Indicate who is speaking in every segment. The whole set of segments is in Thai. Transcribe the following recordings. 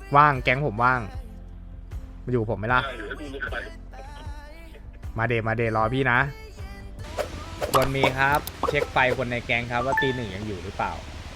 Speaker 1: ว่างแก๊งผมว่างมาอยู่ผมไหมล่ะมาเดรอพี่นะควรมีครับเช็คไฟคนในแก๊งครับว่าตีหนึ่งยังอยู่หรือเปล่า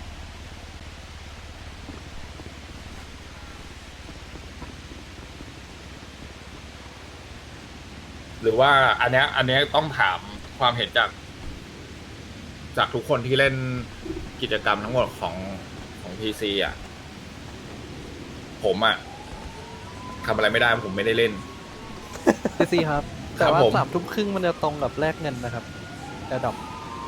Speaker 2: หรือว่าอันเนี้ยต้องถามความเห็นจากทุกคนที่เล่นกิจกรรมทั้งหมดของพีซีอ่ะผมอ่ะทำอะไรไม่ได้ผมไม่ได้เล่น
Speaker 3: ซีครับ
Speaker 2: ค
Speaker 3: แต่
Speaker 2: รับ
Speaker 3: ว่า
Speaker 2: ผม
Speaker 3: 3 ทุ่มครึ่งมันจะตรงกับแลกเงินนะครับแอดดอป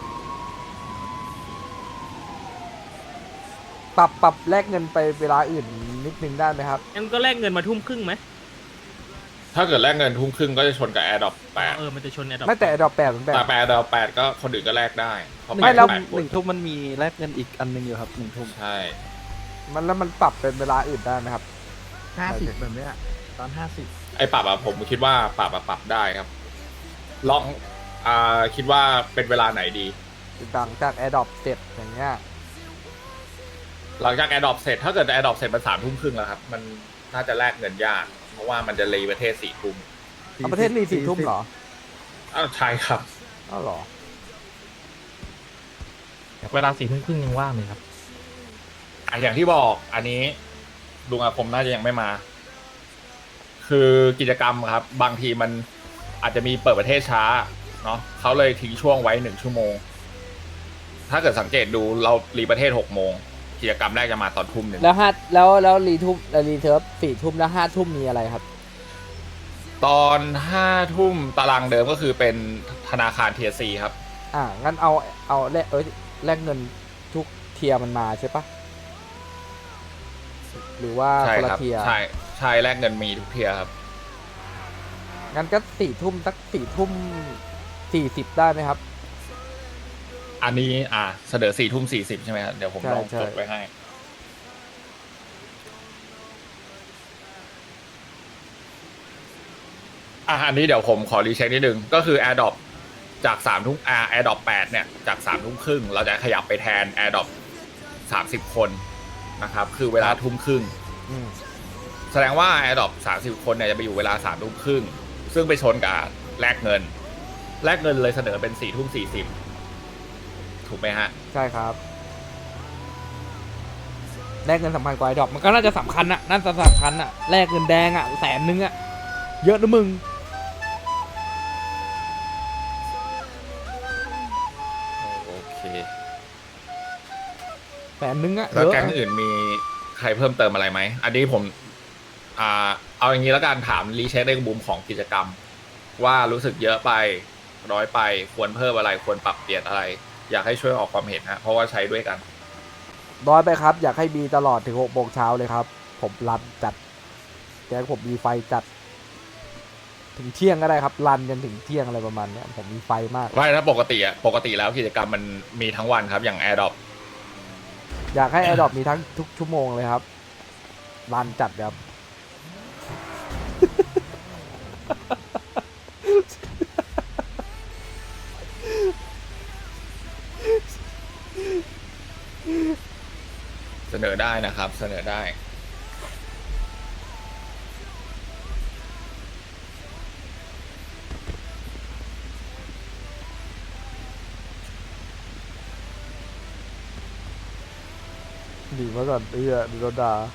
Speaker 1: ปรับแลกเงินไปเวลาอื่นนิดนึงได้ไหมครับ
Speaker 4: งั้นก็แลกเงินมาทุ่มครึ่งไหม
Speaker 2: ถ้าเกิดแลกเงินทุ่มครึ่งก็จะชนกับแอร์ดรอปแปด
Speaker 4: มันจะชนแอดดอป
Speaker 1: ไม่แต่ดอกแปดมันแปด
Speaker 2: แต่แอร์ดรอปแปดก็คนอื่นก็แลกได้เพราะ
Speaker 3: ไม่แล้ว
Speaker 2: แปด
Speaker 3: หนึ่งทุ่มมันมีแลกเงินอีกอันหนึงอยู่ครับ1 ทุ่ม
Speaker 2: ใช่
Speaker 1: แล้วมันปรับเป็นเวลาอื่นได้ไหมครับ
Speaker 5: 50แบบเนี้ยตอน50
Speaker 2: ไอ้ปรับอะผมคิดว่าปรับได้ครับ ลองคิดว่าเป็นเวลาไหนดี
Speaker 1: หลังจากแอร์ดรอปเสร็จอย่างเงี้ย
Speaker 2: หลังจากแอร์ดรอปเสร็จถ้าเกิดแอร์ดรอปเสร็จมัน3 ทุ่มครึ่งแล้วครับมันน่าจะแลกเงินยากเพราะว่ามันจะรีประเทศ4 ทุ่ม
Speaker 1: เอาประเทศรี4 ทุ่มเหรอ
Speaker 2: อ้าวใช่ครับ
Speaker 1: อ้าวเหรอ
Speaker 6: เวลา4 ทุ่มครึ่งยังว่างเลยครับ
Speaker 2: อย่างที่บอกอันนี้ลุงอาคมน่าจะยังไม่มา คือกิจกรรมครับ บางทีมันอาจจะมีเปิดประเทศช้าเนาะเขาเลยทิ้งช่วงไว้1 ชั่วโมง ถ้าเกิดสังเกตดูเรารีประเทศ6 โมงกิจกรรมแรกจะมาตอนทุ่ม 1
Speaker 1: แล้วรีทุ่มรีเทิร์ฟ4 ทุ่มแล้ว5 ทุ่มมีอะไรครับ
Speaker 2: ตอน5 ทุ่มตารางเดิมก็คือเป็นธนาคารเทียซีครับ
Speaker 1: งั้นเอาแลกเงินทุกเทียร์มันมาใช่ปะหรือว่า
Speaker 2: ใช่
Speaker 1: คนละ
Speaker 2: ครับ
Speaker 1: เทียร์
Speaker 2: ใช่แลกเงินมีทุกเทียร์ครับ
Speaker 1: งั้นก็4 ทุ่มสัก4 ทุ่ม 40ได้ไหมครับ
Speaker 2: อันนี้เสนอ4 ทุ่ม 40ใช่ไหมครับเดี๋ยวผม
Speaker 1: ใช่
Speaker 2: ลอง
Speaker 1: ใช่
Speaker 2: จดไว้ให้อันนี้เดี๋ยวผมขอรีเช็คนิดนึงก็คือ AirDrop จาก3 ทุ่มAirDrop 8เนี่ยจาก3 ทุ่มครึ่งเราจะขยับไปแทน AirDrop 30 คนนะครับคือเวลาทุ่ม ครึ่ง
Speaker 1: อืม
Speaker 2: แสดงว่า AirDrop 30 คนเนี่ยจะไปอยู่เวลา3 ทุ่มครึ่งซึ่งไปชนกับแลกเงินเลยเสนอเป็น4 ทุ่ม 40ถูกไหมฮะ
Speaker 1: ใช่ครับแลกเงินสำคัญกว่าไอ้ดอกมันก็น่าจะสำคัญอะน่าจะสำคัญอะแลกเงินแดงอะ100,000อะเยอะนะมึง
Speaker 2: โอเค
Speaker 1: 100,000อะ
Speaker 2: แล้ว
Speaker 1: เยอะ
Speaker 2: แก๊งอื่นมีใครเพิ่มเติมอะไรไหม อันนี้ผมเอาอย่างนี้แล้วกันถามรีเช็คในมุมของกิจกรรม ว่ารู้สึกเยอะไปน้อยไปควรเพิ่มอะไรควรปรับเปลี่ยนอะไร อยากให้ช่วยออกความเห็นฮะเพราะว่าใช้ด้วยกัน
Speaker 1: น้อยไปครับ อยากให้มีตลอดถึง6 โมงเช้าเลยครับ ผมรันจัดแก๊งผมมีไฟจัด ถึงเที่ยงก็ได้ครับรันจนถึงเที่ยงอะไรประมาณเนี้ยผมมีไฟมาก
Speaker 2: ว่าถ้าปกติแล้วกิจกรรมมันมีทั้งวันครับอย่าง AirDrop
Speaker 1: อยากให้ไอดอปมีทั้งทุกชั่วโมงเลยครับรันจัดครับ
Speaker 2: เสนอได้นะครับ เสนอได้
Speaker 1: ดีมาก่อนเอื้อโดนด่า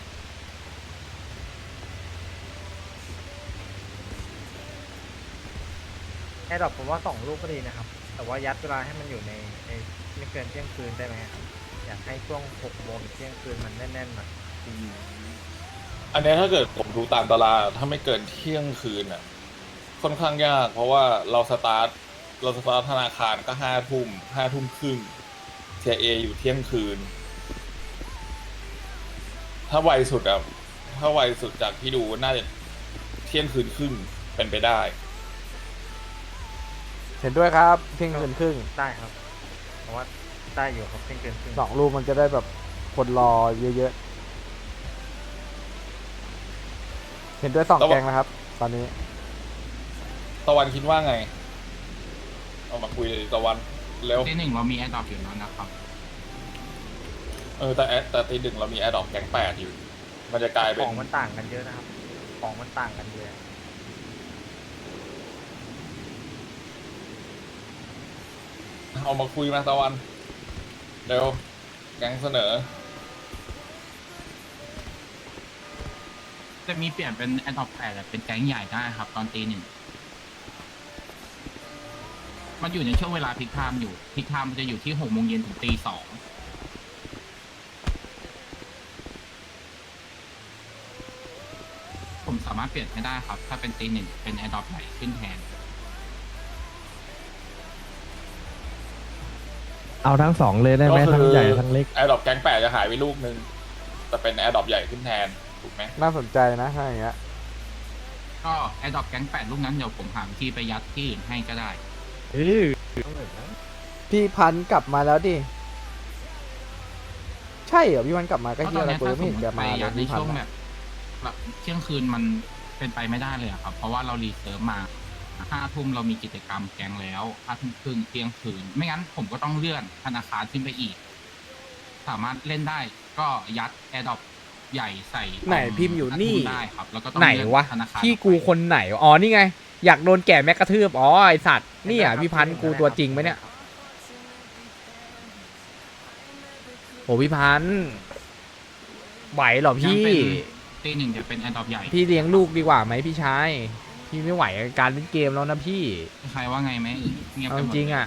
Speaker 5: แอร์ดรอปผมว่า2 ลูกก็ดีนะครับ แต่ว่ายัดเวลาให้มันอยู่ในไม่เกินเที่ยงคืนได้ไหมครับอยากให้ช่วง6 โมงถึงเที่ยงคืนมันแน่นๆหน่อย
Speaker 2: อันนี้ถ้าเกิดผมดูตามตารางถ้าไม่เกินเที่ยงคืนอ่ะค่อนข้างยาก เพราะว่าเราสตาร์ทธนาคารก็5 ทุ่มครึ่ง TIA อยู่เที่ยงคืน ถ้าไวสุดจากที่ดูน่าจะเที่ยงคืนครึ่งเป็นไปได้
Speaker 1: เห็นด้วยครับเที่ยงคืนครึ่ง
Speaker 5: ได้ครับเพราะว่าได้อยู่ครับเที่ยงคืนครึ่ง
Speaker 1: 2 ลูกมันจะได้แบบคนรอเยอะๆ เห็นด้วย2 แกงนะครับ ตอนนี้
Speaker 2: ตะวันคิดว่าไง เอามาคุยเลยตะวันเร็ว
Speaker 6: ที่หนึ่งเรามีแอร์ดรอปอยู่แล้วนะครับ
Speaker 2: แต่ตี 1เรามี AirDrop แก๊ง8อยู่มันจะกลายเป็
Speaker 5: ข
Speaker 2: น
Speaker 5: องมันต่างกันเยอะนะครับ ของมันต่างกันเยอะ
Speaker 2: เอามาคุยมาตะวันเร็วแก๊งเสนอ
Speaker 6: จะมีเปลี่ยนเป็นแอนท็อปแปดเป็นแก๊งใหญ่ได้ครับ ตอนตี 1มันอยู่ในช่วงเวลาพิกไทม์อยู่พิกไทม์มันจะอยู่ที่6 โมงเย็นถึงตี 2ผมสามารถเปลี่ยนให้ได้ครับ ถ้าเป็นตี 1เป็นแอนท็อปใหญ่ขึ้นแทน
Speaker 4: เอาทั้งสองเลยได้ไหม
Speaker 2: ก็คือ
Speaker 4: ทั้งใหญ่ทั้งเล็ก
Speaker 2: แอร์ดรอปแก๊งแปดจะหายไปลูกนึงแต่เป็นแอร์ดรอปใหญ่ขึ้นแทนถูกไหม
Speaker 1: น่าสนใจนะถ้าอย่างเงี้ย
Speaker 6: ก็แอนท็อปแก๊ง8ลูกนั้นเดี๋ยวผมหาวิธีไปยัดที่อื่นให้ก็ได้
Speaker 1: พี่พันธุ์กลับมาแล้วดิใช่เหรอพี่พันธุ์กลับมาก็
Speaker 6: ก็
Speaker 1: เฮี
Speaker 6: ต
Speaker 1: ย
Speaker 6: อน
Speaker 1: อะไร
Speaker 6: นี้
Speaker 1: กู
Speaker 6: ถ้า
Speaker 1: ยัง
Speaker 6: ส
Speaker 1: ไม่
Speaker 6: ม
Speaker 1: เห็
Speaker 6: ม
Speaker 1: น
Speaker 6: ติ
Speaker 1: แก
Speaker 6: ไป
Speaker 1: มาเล
Speaker 6: ยั
Speaker 1: ย
Speaker 6: ดใน
Speaker 1: พี่พัน
Speaker 6: ช่วง
Speaker 1: ธุ์
Speaker 6: แบบเที่ยงคืนมันเป็นไปไม่ได้เลยอะครับ เพราะว่าเรารีเซิร์ฟมา5 ทุ่มเรามีกิจกรรมแกงแล้ว5 ทุ่มครึ่งเที่ยงคืน ไม่งั้นผมก็ต้องเลื่อนธนาคารขึ้นไปอีก สามารถเล่นได้ก็ยัดแอร์ดรอปใหญ่ใส่
Speaker 7: ไหนพิมพ์อยู่นี่
Speaker 6: 5 ทุ่มได้ครับแล้วก็ต้อง
Speaker 7: ไหน
Speaker 6: เลื่อน
Speaker 7: วะ
Speaker 6: ธนาคาร
Speaker 7: พี่กูคนไหน อ๋อ นี่ไง อยากโดนแก่แม็กกระทืบ อ๋อ ไอสัตว์ นี่อ่ะพี่พันธุ์กูตัวจริงไหมเนี่ยโหพี่พันธุ์ไหวเหรอ
Speaker 6: ยัง
Speaker 7: พี่
Speaker 6: เป็นตี 1จะเป็นแอร์ดรอปใหญ่
Speaker 7: พี่เลี้ยงลูกดีกว่าไหมพี่ชาย พี่ไม่ไหวกับการเล่นเกมแล้วนะพี่
Speaker 6: ใครว่าไงไหมเงียบ
Speaker 7: เอา
Speaker 6: ไป
Speaker 7: จ
Speaker 6: หมด
Speaker 7: ริงอ่ะ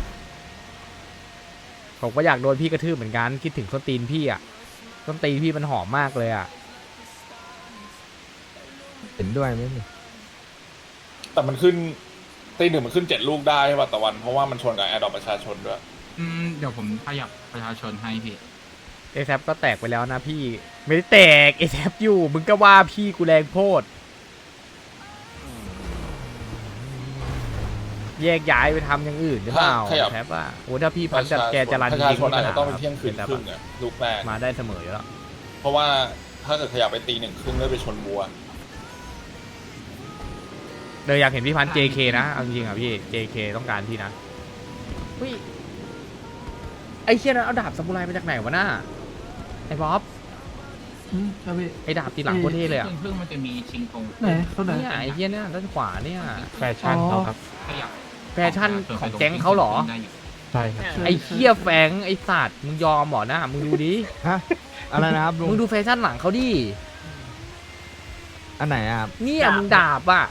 Speaker 7: ผมก็อยากโดนพี่กระทืบเหมือนกัน คิดถึงส้นตีนพี่อ่ะส้นตีนพี่มันหอมมากเลยอ่ะ
Speaker 4: เห็นด้วยไหมนี่
Speaker 2: แต่มันขึ้นตี 1มันขึ้น7 ลูกได้ใช่ป่ะตะวันเพราะว่ามันชนกับแอร์ดรอปประชาชนด้วย
Speaker 6: เดี๋ยวผมขยับประชาชนให้พี่
Speaker 7: เอแซก็แตกไปแล้วนะพี่ ไม่ได้แตกเอแซอยู่ มึงก็ว่าพี่กูแรงโพด แยกย้ายไปทำอย่างอื่นหรือเปล่า
Speaker 2: ขยับ
Speaker 7: แทบว่าโอ้ถ้าพี่พันจัดแกจะรัน
Speaker 2: ประ
Speaker 7: จ
Speaker 2: ชา
Speaker 7: ริง
Speaker 2: ชนอาจจะต้องเป็น
Speaker 7: ค
Speaker 2: เที่ยงคืนครึ่งอะลูกแรก
Speaker 7: มาได้เสมออยู่แล้ว
Speaker 2: เพราะว่าถ้าเกิดขยับไปตี 1 ครึ่งแล้วไปชนบัว
Speaker 7: เลยอยากเห็นพี่พัน JK นะเอาจริงๆอ่ะพี่ JK ต้องการพี่นะอุ้ยไอ้เชี่ยนั้นเอาดาบซามูไรมาจากไหนวะน่าไอ้บ๊อบไอ้ดาบตีหลังโคตรเท่เลยอ่ะ
Speaker 6: เพิ่งมันจะมีชิงตรง
Speaker 7: เนี่ยไอ้เชี่ยเนี่ยด้านขวาเนี่ย
Speaker 6: แฟชั่นเขาครับขยับ
Speaker 7: แฟชั่นของแก๊งเขาเหรอ
Speaker 6: ใช่ครับ
Speaker 7: ไอ้เชี่ยแฟงไอ้สัตว์มึงยอมเหรอหน้ามึงดูดิ
Speaker 4: ฮะอะไรนะครับลุง
Speaker 7: มึงดูแฟชั่นหลังเขาดิ
Speaker 4: อันไหนอ่ะ
Speaker 7: เนี่ยมึงดาบอ่ะ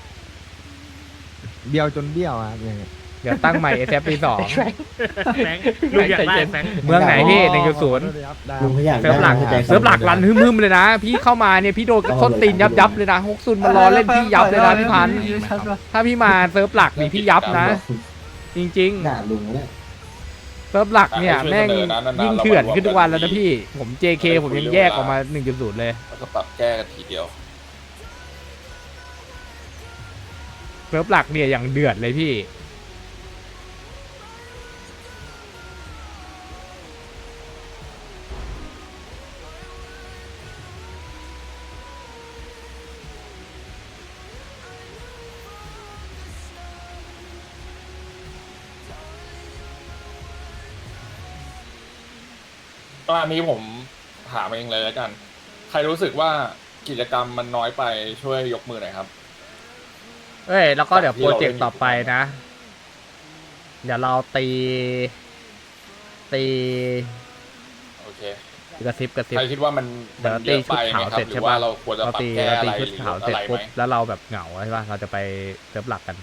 Speaker 4: เบี้ยวจนเบี้ยวอ่ะยังไง
Speaker 7: เดี๋ยวตั้งใหม่ SF ปี 2
Speaker 6: ลูกอยากได้แฟง
Speaker 7: เมืองไหนพี่1.0
Speaker 4: ได้
Speaker 8: ลุงเขาอยาก
Speaker 7: เซิร์ฟหลัก
Speaker 8: ได้
Speaker 7: เซิร์ฟหลักรันฮึมๆเลยนะ พี่เข้ามาเนี่ยพี่โดนกระทนตีนยับเลยนะฮกซุนมารอเล่นพี่ยับเลยนะพี่พันธุ์ถ้าพี่มาเซิร์ฟหลักนี่พี่ยับนะ จริง
Speaker 8: ด่าลุงเนี่ย
Speaker 7: ๆเซิร์ฟหลักเนี่ยแม่งยิ่งเถื่อนขึ้นทุกวันแล้วนะพี่ผม JK ผมยังแยกออกมา 1.0 เลย
Speaker 2: แล้วก็ปรับแก้กันทีเดียว
Speaker 7: เซิร์ฟหลักเนี่ยอย่างเดือดเลยพี่
Speaker 2: ก็อันนี้ผมถามเองเลยแล้วกัน ใครรู้สึกว่ากิจกรรมมันน้อยไปช่วยยกมือหน่อยครับ
Speaker 7: เอ้ยแล้วก็เดี๋ยวโปรเจกต์ต่อไปนะ เดี๋ยวเราตี
Speaker 2: โอเค
Speaker 7: กระซิบ
Speaker 2: ใครคิดว่ามัน
Speaker 7: เดี๋ยว
Speaker 2: เยอะไปไหมครับ
Speaker 7: ตีชุดขาวเสร็จ
Speaker 2: หรื
Speaker 7: ใช่
Speaker 2: อว่า
Speaker 7: ปะ
Speaker 2: เราควรจะปรับ
Speaker 7: ตี
Speaker 2: แก้อะไร
Speaker 7: ชุด
Speaker 2: หรือ
Speaker 7: ขาว
Speaker 2: ลด
Speaker 7: เสร็จ
Speaker 2: อะไรไห
Speaker 7: ปุ๊
Speaker 2: ม
Speaker 7: บแล้วเราแบบเหงาใช่ป่ะเราจะไปเซิร์ฟหลักกัน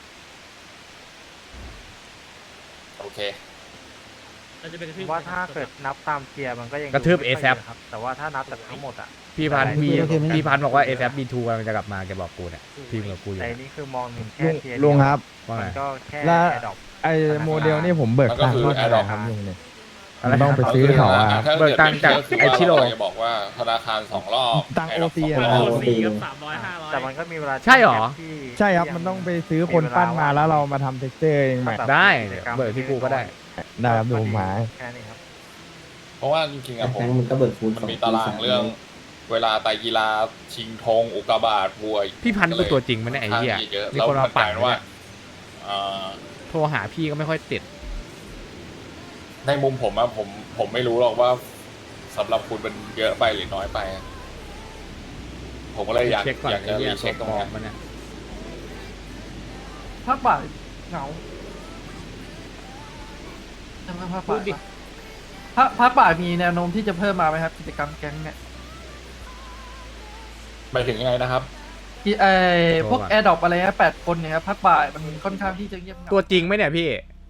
Speaker 2: โอเค
Speaker 5: ว่าถ้าเกิดนับตามเทียร์มันก็ยัง
Speaker 7: กระทืบ
Speaker 5: ดูไม่ค่ย
Speaker 7: ASAP
Speaker 5: เยะครับ แต่ว่าถ้านับจากทั้งหมดอ่ะ
Speaker 7: พี่พันธุ์
Speaker 8: โอเคโอเคไหม
Speaker 7: พี่พันธุ์บอกว่า SF B2 กำลังจะกลับมาแกบอกกูเนี่ยพิมพ์กับกูอยู่
Speaker 5: แต่นี่คือมองถึงแค่
Speaker 4: ลุง
Speaker 5: เทียร์
Speaker 4: ลุงครับ
Speaker 7: ว่าไง
Speaker 5: มันก็แค่
Speaker 4: แล้ว
Speaker 5: แอร์ดรอป
Speaker 4: ไอ้โมเดลนี่ผมเบิก
Speaker 2: มันก็
Speaker 4: ตัง
Speaker 2: คือ
Speaker 4: ค์เท่าไหร่
Speaker 2: Adopt
Speaker 4: ครับลุงเนี่ย
Speaker 7: อะไร
Speaker 4: ต้องไป
Speaker 7: นะ
Speaker 4: ซื้อเขาอ่ะ
Speaker 2: ถ้
Speaker 7: เบิกตังค์จาก
Speaker 2: เกิด
Speaker 7: ไอ้ชิโร่
Speaker 2: เราจะบอกว่าธนาคาร2 รอบ
Speaker 4: ตังค์
Speaker 2: ให้เรา
Speaker 4: OC
Speaker 2: สอง
Speaker 4: อะ
Speaker 2: รอบ
Speaker 5: แต่มันก็มีเวลา
Speaker 7: ใช่เหรอ
Speaker 5: ที่
Speaker 4: ใช่ครับ
Speaker 5: ที่
Speaker 4: มันต้องไปซื้อคนปั้นมาแล้วเรามาทำเท็กเจอร์เองใหม่
Speaker 7: ได้เบิกที่กูก็ได้
Speaker 4: ได้ครับเดี๋ยวผมหา
Speaker 5: แค่นี้ครับ
Speaker 2: เพราะว่าจริงๆอะผม
Speaker 8: แฟงมันก็เบิกฟูด
Speaker 2: มันมีตารางเรื่อง เวลาไตรกีฬาชิงธงอุกกาบาตบวย
Speaker 7: พี่พันธุ์เป็นตัวจริงมั้ยเนี่ยไอ้เหี้ย
Speaker 2: เยอะ
Speaker 7: มี
Speaker 2: แล้ว
Speaker 7: คน
Speaker 2: มั
Speaker 7: มาน
Speaker 2: ก
Speaker 7: ปั่
Speaker 2: ลาน ยเป็นว่าเอ่อ
Speaker 7: โทรหาพี่ก็ไม่ค่อยติด
Speaker 2: ในมุมผมอะผมไม่รู้หรอกว่าสำหรับคุณมันเยอะไปหรือน้อยไปอะผมก็เลยอยาก
Speaker 7: เช็คก่อน
Speaker 2: อยาก
Speaker 7: ไอ้
Speaker 2: จะ
Speaker 7: เหี้ย
Speaker 2: รีเช็คตรง
Speaker 7: ปลอ
Speaker 2: นี้
Speaker 7: มมันเนี่ย
Speaker 3: ภาคบ่ายเหงาทำไมภาคบ่ายภาคบ่ายมีแนวโน้มที่จะเพิ่มมาไหมครับกิจกรรมแก๊งเนี่ย
Speaker 2: ไปถึงยังไงนะครับ
Speaker 3: พวกแอร์ดรอปอะไรนะ8 คนเนี่ยครับภาคบ่ายมันค่อนข้างที่จะเงียบเหงา
Speaker 7: ตัวจริงไหมเนี่ยพี่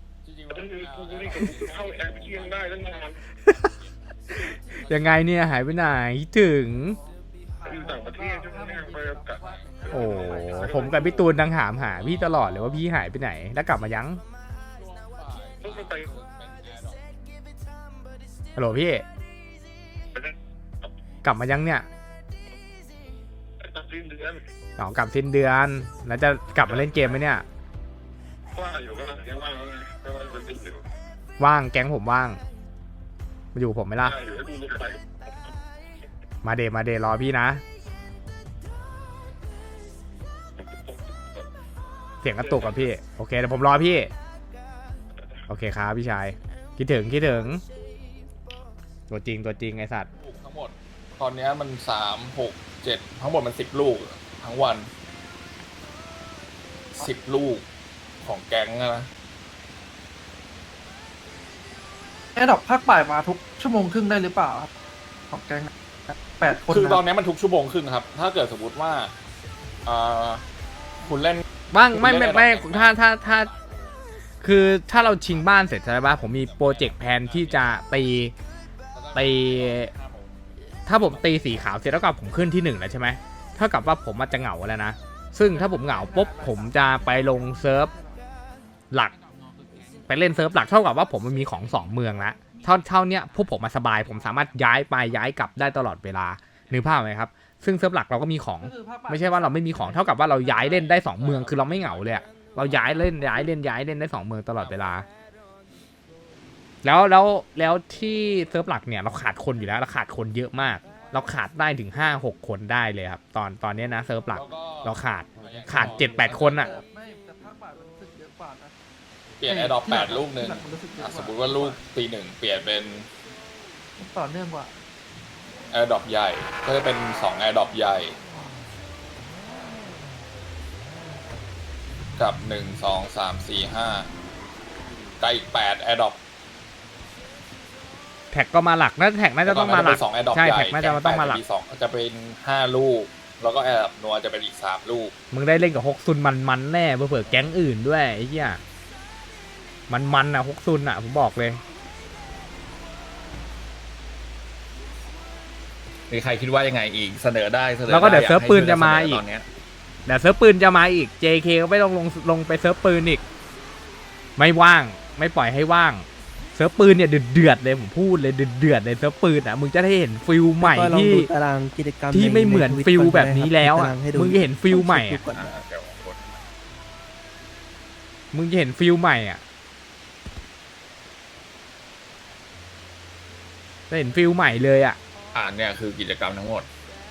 Speaker 2: เข้าแอปเที่ยงได้ตั้งนาน
Speaker 7: ยังไงเนี่ยหายไปไหนคิดถึง
Speaker 2: อยู่ต่างประเทศช่วงนี้ไปกับ
Speaker 7: โอ้ผมกับพี่ตูนดังหามหาพี่ตลอดเลยว่าพี่หายไปไหนแล้วกลับมายัง
Speaker 2: ต้องไป
Speaker 7: ฮัลโหลพี่ กลับมายังเนี่ย
Speaker 2: ตัดสิ้นเดือน
Speaker 7: อ๋อกลับสิ้นเดือน แล้วจะกลับมาเล่นเกมไหมเนี่ย
Speaker 2: ว่าอยู่ก็ยังว่างแล้วไงก็ว่าจะติดอยู่
Speaker 7: ว่างแก๊งผมว่าง มาอยู่กับผมไหมล่ะ
Speaker 2: ได้อยู่ให้ดูลูกไป
Speaker 7: มาเดรอพี่นะ เสียงกระตุกกับพี่ โอเคเดี๋ยวผมรอพี่ โอเคครับพี่ชาย คิดถึงตัวจริงไอสัตว์
Speaker 2: ลูกทั้งหมด ตอนเนี้ยมัน3 6 7ทั้งหมดมัน10 ลูกทั้งวัน10 ลูกของแก๊งอะนะ
Speaker 3: แอร์ดรอปภาคบ่ายมาทุกชั่วโมงครึ่งได้หรือเปล่าครับของแก๊ง8 คน
Speaker 2: คือตอน
Speaker 3: นะ
Speaker 2: เนี้ยมันทุกชั่วโมงครึ่งครับ ถ้าเกิดสมมติว่าคุณเล่น
Speaker 7: บ้างไม่
Speaker 2: คุณเล่น
Speaker 7: ไม่
Speaker 2: อะไรบ้าง
Speaker 7: ถ้าคือถ้าเราชิงบ้านเสร็จใช่ปะผมมีโปรเจกต์แพลนที่จะตีถ้าผมตีสีขาวเสร็จแล้วก็ผมขึ้นที่1แล้วใช่ไหมเท่ากับว่าผมอาจจะเหงาแล้วนะซึ่งถ้าผมเหงาปุ๊บผมจะไปลงเซิร์ฟหลักไปเล่นเซิร์ฟหลักเท่ากับว่าผมมันมีของ2เมืองละเท่าเนี้ยพวกผมมาสบายผมสามารถย้ายไปย้ายกลับได้ตลอดเวลานึกภาพไหมครับซึ่งเซิร์ฟหลักเราก็มีของ ไม่ใช่ว่าเราไม่มีของเท่ากับว่าเราย้ายเล่นได้2เมืองคือเราไม่เหงาเลยอะเราย้ายเล่นได้2เมืองตลอดเวลาแล้วที่เซิร์ฟหลักเนี่ยเราขาดคนอยู่แล้วเราขาดคนเยอะมาก เราขาดได้ถึง5-6 คนได้เลยครับตอนนี้นะเซิร์ฟหลัก
Speaker 2: แล้วก็
Speaker 7: เราขาด7-8 คนอะ
Speaker 3: ไม่แต่ภาคบ่ายมันรู้สึกเยอะกว่านะ
Speaker 2: เปลี่ยนแอร์ดรอป8 ลูกหนึ่ง
Speaker 3: มันรู้สึกเยอะก
Speaker 2: สมมติว่าลูกตีหนึ่งเปลี่ยนเป็น
Speaker 3: ต่อเนื่องกว่า
Speaker 2: แอร์ดรอปใหญ่ ก็จะเป็น2แอร์ดรอปใหญ่ กับ1 2 3 4 5กับอีก8แอร์ดรอป
Speaker 7: แท็กก็มาหลักน่าแท็กน่าจะต้องมาหลัก
Speaker 2: 2แอร์ดรอป
Speaker 7: ใช่
Speaker 2: ใหญ่
Speaker 7: แท็กน่าจะต้องมาหลัก
Speaker 2: 2จะเป็น5 ลูก แล้วก็แอร์ดรอปนัวจะเป็นอีก3 ลูก
Speaker 7: มึงได้เล่นกับฮกซุนมันแน่เผื่อแก๊งอื่นด้วยไอ้เหี้ยมันอะฮกซุนอะผมบอกเลย
Speaker 2: มีใครคิดว่ายังไงอีกเสนอได้เสนอ
Speaker 7: แล้วก็เดี๋ยว
Speaker 2: ไ
Speaker 7: เซิร์ฟปืนจะมาอีก
Speaker 2: ตอนเนี้ย
Speaker 7: เดี๋ยวเซิร์ฟปืนจะมาอีก JK ก็ไม่ต้องลงไปเซิร์ฟปืนอีกไม่ว่างไม่ปล่อยให้ว่างเซิร์ฟปืนเนี่ยเดือดเลยผมพูดเลยเดือดเลยเซิร์ฟปืนอ่ะมึงจะได้เห็นฟิลใหม่
Speaker 8: ก็ลอง
Speaker 7: ที่
Speaker 8: ดูตารางกิจกรรม
Speaker 7: ที่ไม่เหมือน
Speaker 8: ใ
Speaker 7: ฟิล
Speaker 8: Twitter
Speaker 7: แบบนี้แล้วอ่ะ
Speaker 8: ตารางให้ดู
Speaker 7: มึงจะเห็นฟิลใหม่
Speaker 8: ดู
Speaker 7: อ่ะ
Speaker 8: ก่อน
Speaker 2: เดี๋ยวกด
Speaker 7: มึงจะเห็นฟิลใหม่อ่ะจะเห็นฟิลใหม่เลยอ่ะ
Speaker 2: เนี่ยคือกิจกรรมทั้งหมด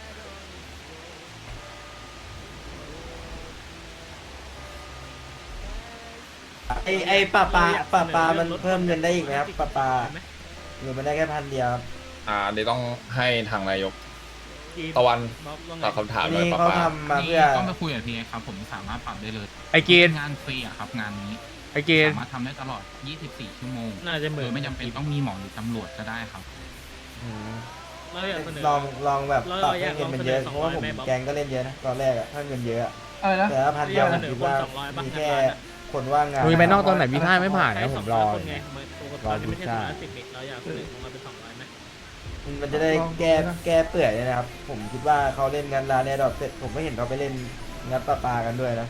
Speaker 8: ไอ้ปลามันเพิ่มเงินได้อีกไหมครับปลาหรือมันได้แค่1,000 เดียวครับ
Speaker 2: อันนี้ต้องให้ทางนายกตะวันตอบคำถามเลย
Speaker 8: นี่
Speaker 2: ป้า
Speaker 8: เขา
Speaker 2: ป้า
Speaker 8: ทำมา
Speaker 6: นี่
Speaker 8: เพื่อ
Speaker 6: ต้องไปคุยกับทีครับ ผมสามารถปรับได้เลย
Speaker 7: ไอเกณฑ์
Speaker 6: งานฟรีอะครับงานนี้
Speaker 7: ไอเกณฑ์
Speaker 6: สามารถทำได้ตลอด 24 ชั่วโมง
Speaker 5: น่าจะเหมื
Speaker 6: โด
Speaker 5: อน
Speaker 6: ยไม่จำเป็นต้องมีหมอหรือตำรวจก็ได้ครับ
Speaker 5: เราอยากเสนอ
Speaker 8: ลองแบบปรับให้
Speaker 5: เราอยาก
Speaker 8: เงินมันเยอะ
Speaker 5: ลองเสนอ
Speaker 8: เพราะว่าผม
Speaker 5: 200ไหมบ๊อบ
Speaker 8: แกงก็เล่นเยอะนะตอนแรกอะถ้าเงินเยอะอะ
Speaker 3: อะไรนะ
Speaker 8: แต่ถ้า1,000 เดียวผมคิดว่า
Speaker 5: เสนอคน200
Speaker 8: มีแค่
Speaker 5: บ้าง
Speaker 8: คนว่างงาน
Speaker 7: ลุยไปนอกตอนไหนพี่ท่าไม่ผ่านนะผมรอ
Speaker 5: ไงตอนนี้ไม่ใช่210เราอยากเสนอของเราเป็น200ไหม
Speaker 8: มันจะได้แก้เปื่อยเลยนะครับ ผมคิดว่าเขาเล่นงานร้านเนี่ยดอกเสร็จผมไม่เห็นเขาไปเล่นงัดปลากันด้วยนะ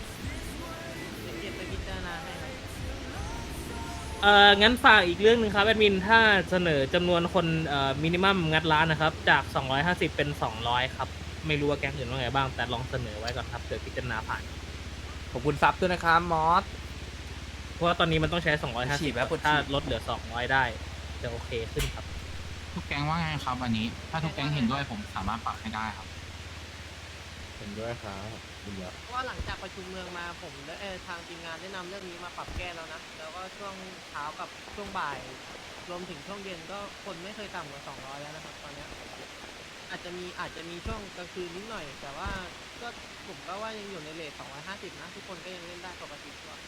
Speaker 5: งั้นฝากอีกเรื่องหนึ่งครับแอดมินถ้าเสนอจำนวนคนมินิมัมงัดร้านนะครับจาก250เป็น200ครับไม่รู้ว่าแก๊งอื่นว่าไงบ้างแต่ลองเสนอไว้ก่อนครับเผื่อพิจารณาผ่าน
Speaker 7: ขอบคุณซับด้วยนะครับมอส
Speaker 5: เพราะว่าตอนนี้มันต้องใช้250ถ้าลดเหลือ200ได้จะโอเคขึ้นครับ
Speaker 6: ทุกแก๊งว่าไงครับอันนี้ ถ้าทุกแก๊งเห็นด้วยผมสามารถปรับให้ได้ครับ
Speaker 4: เห็นด้วยครับคุณยศ
Speaker 9: เพราะว่าหลังจากประชุมเมืองมาผมและทางทีมงานได้นำเรื่องนี้มาปรับแก้แล้วนะ แล้วก็ช่วงเช้ากับช่วงบ่าย รวมถึงช่วงเย็นก็คนไม่เคยต่ำกว่า200แล้วนะครับตอนเนี้ยอาจจะมีช่วงกลางคืนนิดหน่อย แต่ว่าก็ผมก็ว่ายังอยู่ในเรท250นะทุกคนก็ยังเล่นได้ปกติกว่า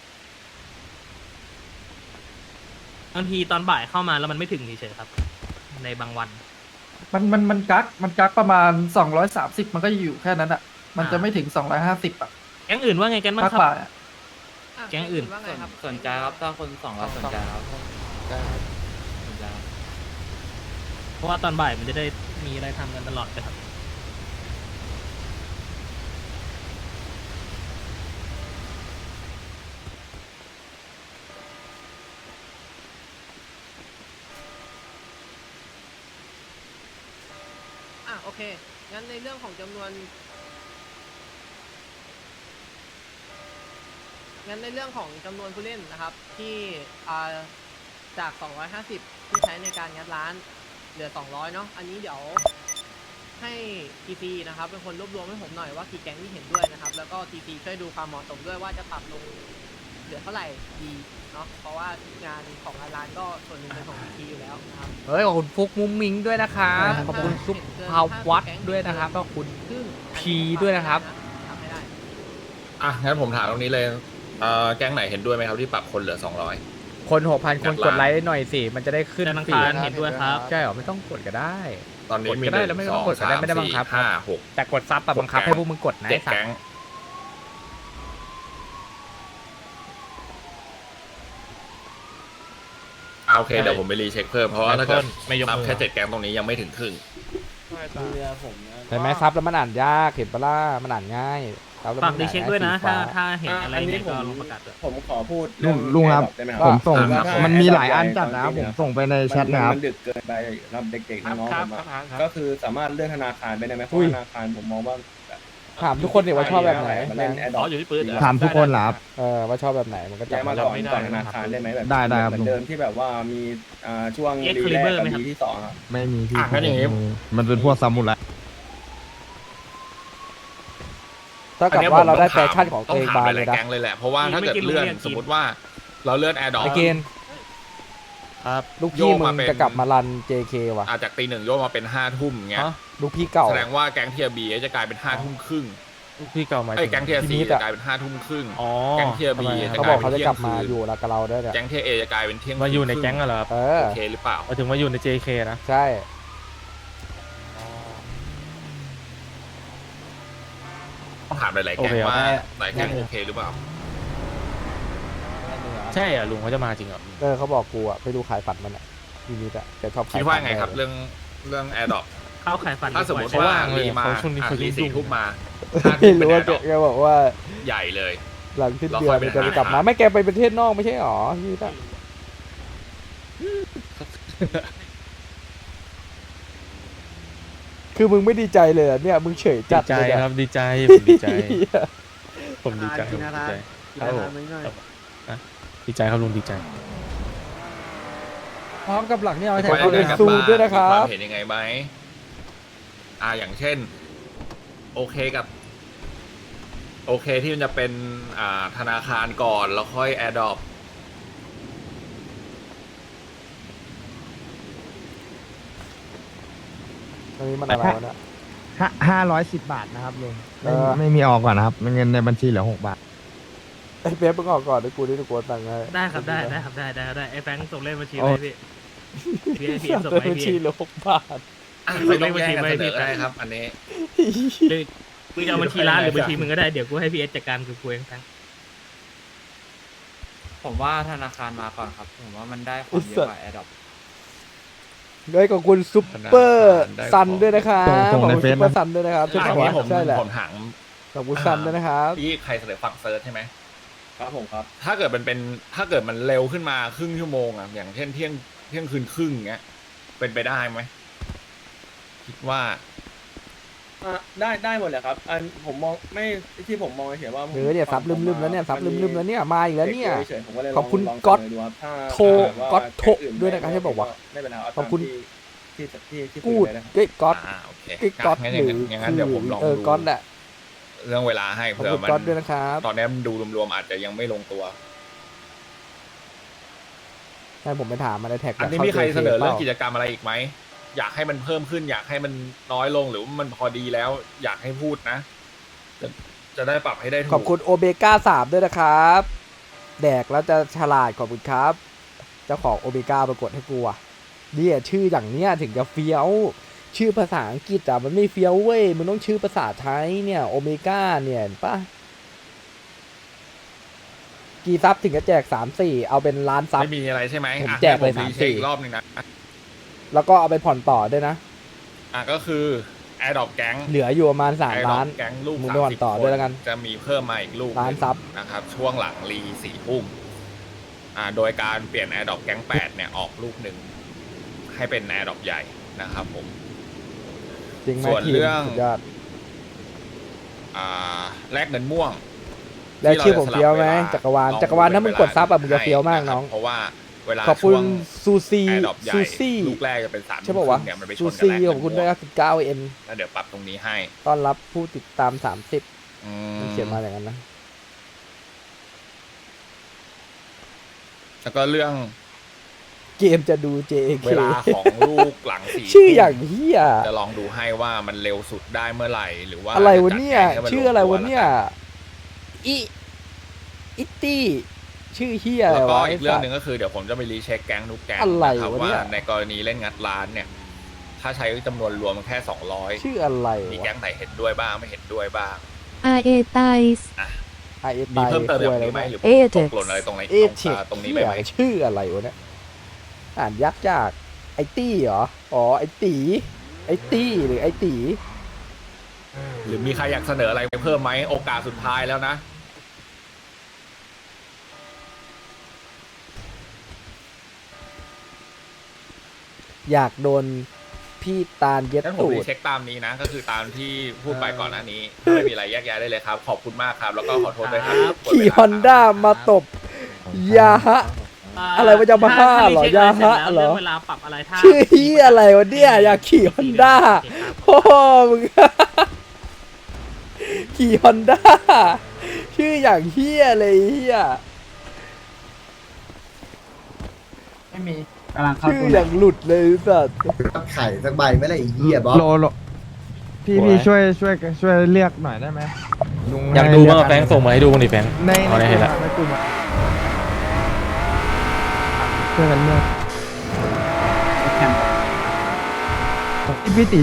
Speaker 5: บางทีตอนบ่ายเข้ามาแล้วมันไม่ถึงเฉยๆครับ ในบางวัน
Speaker 3: มันกักประมาณ230มันก็อยู่แค่นั้นอ่ะ มันจะไม่ถึง250อ่ะ
Speaker 5: แก๊งอื่นว่าไงกันบ้าง
Speaker 3: ภาค
Speaker 5: ครับ
Speaker 3: บ่ายอะ
Speaker 5: แก๊งอื่น
Speaker 9: ว่าไงครับ
Speaker 10: สนใจครับถ้าคนสองเราสนใจครับสนใจครับ
Speaker 5: เพราะว่าตอนบ่ายมันจะได้มีอะไรทำกันตลอดเลยครับ
Speaker 9: โอเค งั้นในเรื่องของจำนวน ผู้เล่นนะครับ ที่จาก 250 ที่ใช้ในการงัดร้านเหลือ 200 เนาะ อันนี้เดี๋ยวให้ TC นะครับเป็นคนรวบรวมให้ผมหน่อยว่ากี่แก๊งที่เห็นด้วยนะครับ แล้วก็ TC ช่วยดูความเหมาะสมด้วยว่าจะปรับลงเหลือเท่าไหร่ดีเนาะ เพราะว่างานของร้านก็ส่วนหนึ่งเป็นของ TC อยู่แล้วนะครับ
Speaker 7: เฮ้ยขอบคุณฟุกมุ้งมิงด้วยนะครับ ขอบคุณซุปพาววัดด้วยนะครับขอบคุณ
Speaker 9: ซึ่ง
Speaker 7: พีด้วยนะครับ
Speaker 9: ทำไม่ได้
Speaker 2: งั้นผมถามตรงนี้เลยแก๊งไหนเห็นด้วยไหมครับที่ปรับคนเหลือ200
Speaker 7: คน 6,000 คนกดไลค์หน่อยสิ มันจะได้ขึ้น
Speaker 5: ธนา
Speaker 7: ฟี
Speaker 5: คาร
Speaker 7: ด
Speaker 5: เห็นด้วยครับ
Speaker 7: ใช่เหรอไม่ต้องกดก็ได้
Speaker 2: ตอนนี้มี
Speaker 7: กดก็ได้แล้วไม่ต้องกดก็ได้ไม่ได้บังคับ
Speaker 2: 5 6
Speaker 7: แต่กดซับอะบังคับให้พวกมึงกดนะ
Speaker 2: 7
Speaker 7: ไอ้สัต
Speaker 2: แก๊ง
Speaker 7: ว์
Speaker 2: โอเคเดี๋ยวผมไปรีเช็คเพิ่มเพราะว่าถ้าเกิดนับแค่7 แก๊งตรงนี้ยังไม่ถึงครึ่ง
Speaker 8: เรือผมนะ
Speaker 1: เห็นไหมซับแล้วมันอ่านยากเห็นปะล่ะมันอ่านง่ายซับแล้ว
Speaker 5: ฝา
Speaker 1: มั
Speaker 5: ก
Speaker 1: น
Speaker 5: ดี
Speaker 1: อ่าน
Speaker 5: เช็ค
Speaker 1: ง่าย
Speaker 5: ด้วยนะ
Speaker 1: สีฟ้า
Speaker 5: ถ้าเห็นอะไรเนี่ยก็ลงประกาศด้วย
Speaker 4: ผมขอพูด
Speaker 11: ลุงครับ
Speaker 4: ได้ไหมค
Speaker 11: ผ
Speaker 4: รับ
Speaker 11: มส่ง
Speaker 4: ถ้า
Speaker 11: มันมีหลายอันจัดนะ ผมส่งไปในแชทนะครับ
Speaker 4: มันดึกเกินไปสำหรับเด็กๆน้องๆผมอะก็คือสามารถเลื่อนธนาคารไปได้ไหมเพราะธนาคารผมมองว่า
Speaker 1: ถามทุกคนเนี่ยว่าชอบแบบไหน
Speaker 4: มาเล่นแอดดอ
Speaker 10: อยู่ที่ปืน
Speaker 11: ถามทุกคนเหรอครับ
Speaker 1: ว่าชอบแบบไหนมันก็จั
Speaker 4: ย้า
Speaker 1: บ
Speaker 4: ยมา
Speaker 1: มา
Speaker 4: ก่อนธนาคารได้ไหมแบบ
Speaker 11: ได้ครับ
Speaker 4: เหมือนเดิมที่แบบว่ามีช่วง
Speaker 5: X
Speaker 4: รีแรก
Speaker 5: Caliber
Speaker 4: กับ
Speaker 5: ไหมครับ
Speaker 4: รีที่2ครับ
Speaker 11: ไม่มีพี่
Speaker 2: งั้นอย่างงี้
Speaker 11: มันเป็นพวกซามูไร
Speaker 1: เท่ากับว่าเราได้แฟชั่นของตัวเอง
Speaker 2: ต้
Speaker 1: มา
Speaker 2: ถม
Speaker 1: เล
Speaker 2: ห
Speaker 1: ย
Speaker 2: ลายๆ
Speaker 1: นะ
Speaker 2: แก๊งเลยแหละเพราะว่าถ้าเกิด
Speaker 5: ไม่กิน
Speaker 2: เลื่อน
Speaker 5: โรงเรียน
Speaker 2: สมมติว่าเราเลื่อนแอร์ดอ
Speaker 1: ไอเกณฑ์ลูกพี่มึงจะกลับมารัน JK ว่ะ
Speaker 2: จากตี 1โยกมาเป็น5 ทุ่มเงี้ย
Speaker 1: ลูกพี่เก่า
Speaker 2: แสดงว่าแก๊งเทียบีจะกลายเป็น5 ทุ่มครึ่ง
Speaker 7: พี่เก่ามา
Speaker 2: แก๊งเทีย
Speaker 1: พี่
Speaker 2: ซี
Speaker 1: นิด
Speaker 2: จะ
Speaker 1: อะ
Speaker 2: กลายเป็น5 ทุ่มครึ่ง
Speaker 7: อ๋อ
Speaker 2: แก๊งเทียบีจะ
Speaker 1: เขา
Speaker 2: ก
Speaker 1: บ
Speaker 2: ลา
Speaker 1: อย ก
Speaker 2: เป็
Speaker 1: เขา
Speaker 2: น
Speaker 1: จะ
Speaker 2: เที่ย
Speaker 1: กลั
Speaker 2: ง
Speaker 1: บมา
Speaker 2: คืน
Speaker 1: อยู่แล้วกับเราด้วยเนี่ย
Speaker 2: แก๊งเทียเอจะกลายเป็นเที่ยง
Speaker 7: มาอยู่ใน
Speaker 2: ครึ่
Speaker 7: แก๊งกันเหรอครับ
Speaker 1: เออ
Speaker 2: โอเคหรือเปล่า
Speaker 7: มาถึงมาอยู่ใน JK นะ
Speaker 1: ใช่
Speaker 2: ต้องถามหลายๆแก๊ง
Speaker 7: โอเคครับ
Speaker 2: ว่าหลายแก๊งโอเคหรือเปล่า
Speaker 7: ใช่เหรอลุงเขาจะมาจริงเหรอ
Speaker 1: เขาบอกกูอะไปดูขายฝันมันอะพี่นิดอะแกชอบขาย
Speaker 2: คิดว่าไงครับ
Speaker 1: ฝัน
Speaker 2: เรื่องแอร์ดอป
Speaker 5: เข้าขายฝัน
Speaker 2: ถ้าสมมติ
Speaker 5: ดีก
Speaker 2: ว่า
Speaker 7: ว่างเลย
Speaker 2: รีมา
Speaker 7: เขาช่วงนี้เขา
Speaker 2: รี
Speaker 7: ยุ่ง
Speaker 2: 4 ทุ่มมา
Speaker 1: ไม่รู้ว่า
Speaker 2: 5 ทุ่มเป็นแอร์ดอป
Speaker 1: แกบอกว่า
Speaker 2: ใหญ่เลย
Speaker 1: หลังสิ้น
Speaker 2: เรา
Speaker 1: เดือ
Speaker 2: ค่อน ยไป
Speaker 1: มันจะ
Speaker 2: หา
Speaker 1: กลับมาไม่แกไปประเทศนอกไม่ใช่หรอพี่นิดอะคือมึงไม่ดีใจเลยอะเนี่ยมึงเฉยจัดเลยอะ
Speaker 7: ดีใจผมดีใจ ผมดีใจ
Speaker 9: กินอะไร
Speaker 7: ครับผมดีใจครับลุงดีใจ
Speaker 3: พร้อมกับหลังนี่เอาไว้แถ
Speaker 1: ขอบ
Speaker 3: ว
Speaker 1: คุณ
Speaker 3: เลย
Speaker 1: ซูมด้วยนะครับ
Speaker 2: มีความเห็นยังไงไหมอย่างเช่น โอเคที่มันจะเป็นธนาคารก่อนแล้วค่อยแอร์ดอป
Speaker 1: อันนี้มันอะไรวะเนี่ย
Speaker 11: 510 บาทนะครับลุง
Speaker 1: เออ
Speaker 11: ไม่มีออกก่อนนะครับเงินในบัญชีเหลือ6 บาท
Speaker 1: ไอ้เป๊ปมึงออกก่อนเดี๋ยวกูนี่กูตังค์ให้
Speaker 5: ได้ครับได้ครับได้ไอ้แฟงค์ส่งเลขบัญชี
Speaker 1: โอ้
Speaker 5: ไปพี่พี่ส่ง
Speaker 1: เดิน
Speaker 5: ไป
Speaker 1: บัญ
Speaker 5: ให้
Speaker 1: ชี
Speaker 5: พี่
Speaker 1: เหลือ6 บาท
Speaker 2: ไม่ต้องแย่งกันเสนอได้ครับ อันนี้
Speaker 5: หรือมึงจะเอาบัญชีร้านหรือบัญชีมึงก็ได้เดี๋ยวกูให้พี่เอสจัดการคือกูเองแฟงค์
Speaker 10: ผมว่าธนาคารมาก่อนครับ ผมว่ามันได้ความเยอะกว่าแอดดอป
Speaker 1: ด้วยขอบคุณซุปเปอร์ซันด้วยนะครับ
Speaker 11: ส่ง
Speaker 1: ขอบ
Speaker 11: ใน
Speaker 1: คุณ
Speaker 11: เฟ
Speaker 1: ซุ
Speaker 11: ซ
Speaker 1: ปเปอ
Speaker 11: นะ
Speaker 1: ร์ซันด้วยนะครับ
Speaker 2: อันนี้ผม
Speaker 1: ใช่แหละ
Speaker 2: ผมถาม
Speaker 1: ขอบคุณซันด้วยนะครับ
Speaker 2: ที่ใครเสนอฝั่งเซิร์ชใช่ไหม
Speaker 4: ครับผมครับ
Speaker 2: ถ้าเกิดมันเร็วขึ้นมาครึ่งชั่วโมงอย่างเช่นเที่ยงคืนครึ่งเงี้ยเป็นไปได้ไหมคิดว่า
Speaker 4: ได้หมดเลยครับอันผมมองไม่ที่ผมมองเฉยๆว่าผม
Speaker 1: เนี่ยซับลืมๆแล้วเนี่ยซับลืมๆแล้วเนี่ยมาอีกแล้วเนี่ย
Speaker 4: เฉยๆผมก็เลย
Speaker 1: ขอบคุณ
Speaker 4: ลง
Speaker 1: ก๊อต
Speaker 4: เสนดูครับถ้า
Speaker 1: โทร
Speaker 4: ถ้า
Speaker 1: ก๊อตโทร
Speaker 4: แก๊งอื่น
Speaker 1: ด้วยนะครับให้บอกว่า
Speaker 4: ไม่เป็นไรเา
Speaker 1: ขอบคุณ
Speaker 4: ตามที่
Speaker 1: กูด
Speaker 4: คุยเลยนะครับ
Speaker 1: เก้ก๊อต
Speaker 2: โอเค
Speaker 1: เก้ก๊อต
Speaker 2: งั้น
Speaker 1: หรือ
Speaker 2: อย่างนั้นเดี๋ยวผมลองดู
Speaker 1: ก๊อตแหละ
Speaker 2: เรื่องเวลาให้
Speaker 1: ขอบ
Speaker 2: เผื่อ
Speaker 1: คุณ
Speaker 2: มัน
Speaker 1: ก๊อตด้วยนะครับ
Speaker 2: ตอนนี้มันดูรวมๆอาจจะยังไม่ลงตัว
Speaker 1: ให้ผมไปถามมาในแท็ก
Speaker 2: อันนี้มีใครเสนอเรื่องกิจกรรมอะไรอีกไหมอยากให้มันเพิ่มขึ้น อยากให้มันน้อยลงหรือว่ามันพอดีแล้ว อยากให้พูดนะจะได้ปรับให้ได้ถูก
Speaker 1: ขอบคุณโอเบก้า3ด้วยนะครับ แดกแล้วจะฉลาดขอบคุณครับ เจ้าของโอเบก้าปรากฏให้กูอ่ะเนี่ยชื่ออย่างเนี้ยถึงจะเฟี้ยว ชื่อภาษาอังกฤษอ่ะมันไม่เฟี้ยวเว้ยมันต้องชื่อภาษาไทยเนี่ยโอเมก้าเนี่ยเห็นปะกี่ซับถึงจะแจก3-4เอาเป็นล้านซับ
Speaker 2: ไม่มีอะไรใช่ไหม
Speaker 1: ผม
Speaker 2: อ่ะ
Speaker 1: แจกเลย
Speaker 2: ให้ผมรี
Speaker 1: 3-4
Speaker 2: เช็คอีกรอบหนึ่งนะ
Speaker 1: แล้วก็เอาไปผ่อนต่อด้วยนะ
Speaker 2: ก็คือแอร์ดอปแก๊ง
Speaker 1: เหลืออยู่ประมาณ
Speaker 2: แอร์
Speaker 1: 3
Speaker 2: ดอ
Speaker 1: ล้า
Speaker 2: ป
Speaker 1: น
Speaker 2: แก๊งลูก
Speaker 1: มึงไปผ่อนต่อด้วยแล้วกัน
Speaker 2: จะมีเพิ่มมาอีกลูก
Speaker 1: ล้านซับ
Speaker 2: นะครับ ช่วงหลังรี4 ทุ่มโดยการเปลี่ยนแอร์ดอปแก๊ง8เนี่ยออกลูกหนึ่งให้เป็นแอร์ดอปใหญ่นะครับผม
Speaker 1: จริงไหม
Speaker 2: ส่วน
Speaker 1: ทีม
Speaker 2: เรื่อง
Speaker 1: สุดยอด
Speaker 2: แลกเงินม่วง
Speaker 1: แล้วชื่อผมเฟี้ยวไหม
Speaker 2: ที่
Speaker 1: จักรวาล
Speaker 2: เจะสลับ
Speaker 1: จักรวาลถ้ามึงกดซับอะมึงจะเฟี้ยวมากน้อง
Speaker 2: เพราะว่าเวลา
Speaker 1: ขอบคุ
Speaker 2: ช่
Speaker 1: ณ
Speaker 2: วง
Speaker 1: ซูซี
Speaker 2: แอร์ดอปใหญ่
Speaker 1: ซูซี่
Speaker 2: ลูกแรกจะเป็น3
Speaker 1: ใช่ป่าววะ
Speaker 2: เนี่ยมันไปช
Speaker 1: ซู
Speaker 2: นกับ
Speaker 1: ซี่
Speaker 2: แลกเงิน
Speaker 1: ขอบคุณ
Speaker 2: ม่
Speaker 1: ด้วย
Speaker 2: วง
Speaker 1: 19 N
Speaker 2: แล้วเดี๋ยวปรับตรงนี้ให้
Speaker 1: ต้อนรับผู้ติดตาม30
Speaker 2: อื
Speaker 1: มันเขียนมาอย่างนั้นนะ
Speaker 2: แล้วก็เรื่อง
Speaker 1: เกมจะดู JK
Speaker 2: เวลาของลูกหลัง4
Speaker 1: ชื่ออย่างเฮีย
Speaker 2: จะลองดูให้ว่ามันเร็วสุดได้เมื่อไหร่หรือว่า
Speaker 1: อะไรวะเนี่ย
Speaker 2: จจัดแจงให้มัน
Speaker 1: ชื่ออะไรวะเนี่ย
Speaker 2: ลงตัว
Speaker 1: อิตี้ ชื่อเฮีย
Speaker 2: แล้ว
Speaker 1: อะไร
Speaker 2: ก็
Speaker 1: วะ
Speaker 2: อีกเรื่องหนึ่งก็คือเดี๋ยวผมจะไปรีเช็คแก๊งทุกแก๊ง
Speaker 1: อะไร
Speaker 2: นะครับ
Speaker 1: วะ
Speaker 2: ว่า
Speaker 1: เนี่ย
Speaker 2: ในกรณีเล่นงัดร้านเนี่ย ถ้าใช้จำนวนรวมมันแค่200
Speaker 1: ชื่ออะไร
Speaker 2: มี
Speaker 1: วะ
Speaker 2: แก๊งไหนเห็นด้วยบ้างไม่เห็นด้วยบ้าง
Speaker 12: RA ไตส์
Speaker 1: ไอเอ
Speaker 2: มี
Speaker 1: ตาย
Speaker 2: เพิ่มเติม
Speaker 1: คุย
Speaker 2: แบ
Speaker 1: อะไร
Speaker 2: บนี้ไหม
Speaker 1: วะ
Speaker 2: หรือ
Speaker 12: เอเท
Speaker 2: ต
Speaker 12: ค
Speaker 2: กหล่นอะไรตรงไหน
Speaker 1: เอเทค
Speaker 2: ตรงนี้ไปไหม
Speaker 1: ชื่ออะไรวะเนี่ยอ่านยากจากไอตี้เหรออ๋อไอตีไอตี้หรือไอตี
Speaker 2: หรือมีใครอยากเสนออะไรเพิ่มไหมโอกาสสุดท้ายแล้วนะ
Speaker 1: อยากโดนพี่ตาลเย็ด
Speaker 2: งั้นผม
Speaker 1: ตู
Speaker 2: รี
Speaker 1: ด
Speaker 2: เช็คตามนี้นะ ก็คือตามที่พูดไปก่อนหน้านี้ถ้าไม่มีอะไรแยกย้ายได้เลยครับ ขอบคุณมากครับ แล้วก็ขอโทษด้วยครับ
Speaker 1: ขี่ฮอนด้ามาตบยาฮะ อะไรวะจะมาฆ่าเหรอยาฮะเหรอ
Speaker 5: เวลาปรับอะไรถ้า
Speaker 1: ชื่อเฮียอะไรวะเนี่ยอยากขี่ฮอนด้าโอ้มึง ขี่ฮอนด้าชื่ออย่างเฮียเลยเฮีย
Speaker 3: ไม่มีกำลังเข้า
Speaker 1: ชื่อ
Speaker 3: ตัว
Speaker 1: อย่างหลุดเลยสัตว์
Speaker 8: ไข่สักใบไม่ละอีเหี้ยบอส
Speaker 11: โลพี่ช่วยเรียกหน่อยได้ไหมลุง
Speaker 10: อยากดูมากแฟงส่งมาให้ดูบ้างดิแฟง
Speaker 11: ใน
Speaker 10: เอาได้เห็นละ
Speaker 11: ในกลุ่มอะช่วยกันเรียกพี่ตี